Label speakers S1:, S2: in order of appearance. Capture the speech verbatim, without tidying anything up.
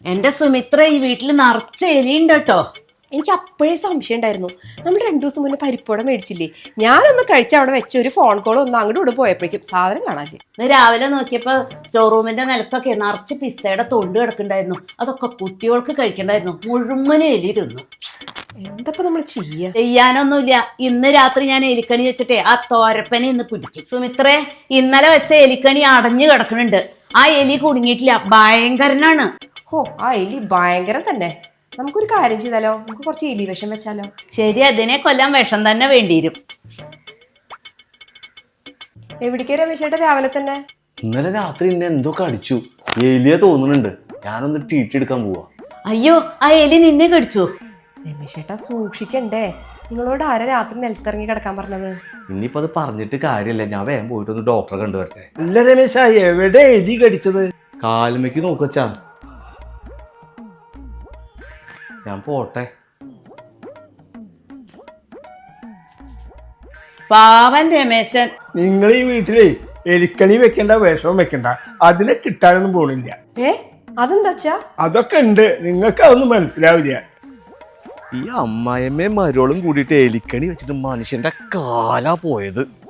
S1: എന്റെ സുമിത്ര ഈ വീട്ടിൽ നിറച്ച എലിയുണ്ട് കേട്ടോ.
S2: എനിക്ക് അപ്പോഴേ സംശയം ഉണ്ടായിരുന്നു. നമ്മൾ രണ്ടു ദിവസം മുന്നേ പരിപ്പോട മേടിച്ചില്ലേ, ഞാനൊന്ന് കഴിച്ച അവിടെ വെച്ച ഒരു ഫോൺ കോൾ ഒന്ന് അങ്ങോട്ട് ഇവിടെ പോയപ്പോഴേക്കും സാധനം കാണാല്ലേ.
S1: ഇന്ന് രാവിലെ നോക്കിയപ്പോ സ്റ്റോർ റൂമിന്റെ നിലത്തൊക്കെ നിറച്ച് പിസ്തയുടെ തൊണ്ട് കിടക്കണ്ടായിരുന്നു. അതൊക്കെ കുട്ടികൾക്ക് കഴിക്കണ്ടായിരുന്നു. മുഴുവനും എലി തിന്നു.
S2: എന്തപ്പോ നമ്മൾ ചെയ്യാ?
S1: ചെയ്യാനൊന്നുമില്ല. ഇന്ന് രാത്രി ഞാൻ എലിക്കണി വെച്ചിട്ടേ ആ തോരപ്പനെ ഇന്ന് പിടിക്കും. സുമിത്രേ, ഇന്നലെ വെച്ച എലിക്കണി അടഞ്ഞു കിടക്കുന്നുണ്ട്. ആ എലി കുടുങ്ങിയിട്ടില്ല, ഭയങ്കരനാണ്.
S2: ഓ, ആ എലി ഭയങ്കരം തന്നെ. നമുക്കൊരു കാര്യം ചെയ്താലോ, നമുക്ക് കുറച്ച് എലി വിഷം വെച്ചാലോ?
S1: ശരി, അതിനെ കൊല്ലാൻ വിഷം തന്നെ വേണ്ടിവരും.
S2: എവിടേക്ക് രമേശേട്ടാ രാവിലെ തന്നെ?
S3: ഇന്നലെ രാത്രി എന്നെ എന്തോ കടിച്ചു, എലിയ തോന്നുന്നുണ്ട്. ഞാനൊന്ന് ട്രീറ്റ് എടുക്കാൻ പോവാ.
S1: അയ്യോ, ആ എലി നിന്നെ കടിച്ചു?
S2: രമേശേട്ടാ സൂക്ഷിക്കണ്ടേ? നിങ്ങളോട് ആരാ രാത്രി നിലത്തിറങ്ങി കിടക്കാൻ പറഞ്ഞത്?
S3: ഇനിയിപ്പോ അത് പറഞ്ഞിട്ട് കാര്യമില്ല, ഞാൻ വേഗം പോയിട്ട് ഒന്ന് ഡോക്ടറെ കണ്ടുവരട്ടെ.
S4: അല്ല രമേശ, എവിടെ എലി കടിച്ചത്?
S3: കാലുമയ്ക്ക് നോക്കച്ചാ, ഞാൻ പോട്ടെ.
S1: പാവൻ രമേശൻ.
S4: നിങ്ങൾ ഈ വീട്ടിലെ എലിക്കണി വെക്കണ്ട, വിഷവും വെക്കണ്ട, അതിനെ കിട്ടാനൊന്നും പോണില്ല.
S2: ഏ അതെന്താച്ചാ?
S4: അതൊക്കെ ഉണ്ട്, നിങ്ങൾക്ക് അതൊന്നും മനസ്സിലാവില്ല.
S3: ഈ അമ്മായിയമ്മയും മരോളും കൂടിയിട്ട് എലിക്കണി വെച്ചിട്ട് മനുഷ്യന്റെ കാലാ പോയത്.